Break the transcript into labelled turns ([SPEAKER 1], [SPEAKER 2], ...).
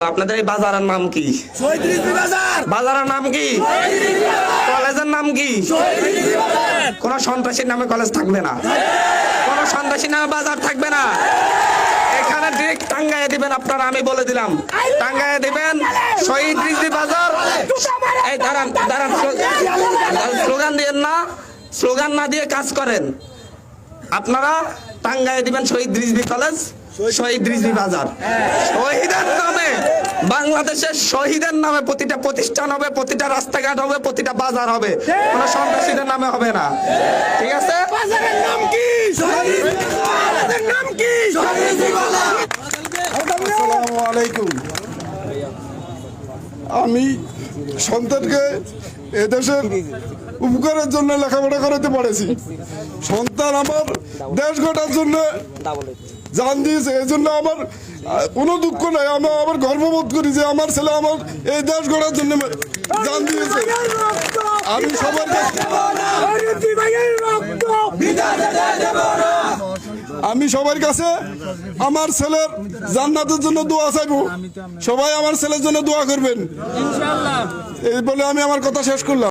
[SPEAKER 1] আপনাদের এই বাজারের নাম কি? বাজারের নাম কি? কলেজের নাম কি? কোন সন্ত্রাসীর নামে কলেজ থাকবে না, কোন সন্ত্রাসীর নামে বাজার থাকবে না। এখানে ডিরেক্ট টাঙ্গাইয়ে দিবেন আপনারা, আমি বলে দিলাম টাঙ্গাইয়ে দিবেন শহীদ রিজভী বাজার। এই দাঁড়ান দাঁড়ান, স্লোগান দিয়েন না, স্লোগান না দিয়ে কাজ করেন। আপনারা টাঙ্গাইয়ে দিবেন শহীদ রিজভী কলেজ, শহীদ রিজভী বাজার। শহীদের নামে, বাংলাদেশের শহীদের নামে প্রতিটা প্রতিষ্ঠান হবে, প্রতিটা রাস্তাঘাট হবে, প্রতিটা বাজার হবে, কোন সন্ত্রাসীদের নামে হবে না। ঠিক আছে?
[SPEAKER 2] বাজারের নাম কি? বাজারের নাম কি?
[SPEAKER 3] আসসালামু আলাইকুম। আমি সন্তানকে এদেশের উপকারের জন্য লেখাপড়া করাতে পারেছি। সন্তান আমার দেশ গড়ার জন্য জান দিয়েছে, এই জন্য আমার কোনো দুঃখ নাই। আমি আবার গর্ববোধ করি যে আমার ছেলে আমার এই দেশ গড়ার জন্য জান দিয়েছে। আমি সবার সবার কাছে আমার ছেলের জান্নাতের জন্য দোয়া চাইবো। সবাই আমার ছেলের জন্য দোয়া করবেন, এই বলে আমি আমার কথা শেষ করলাম।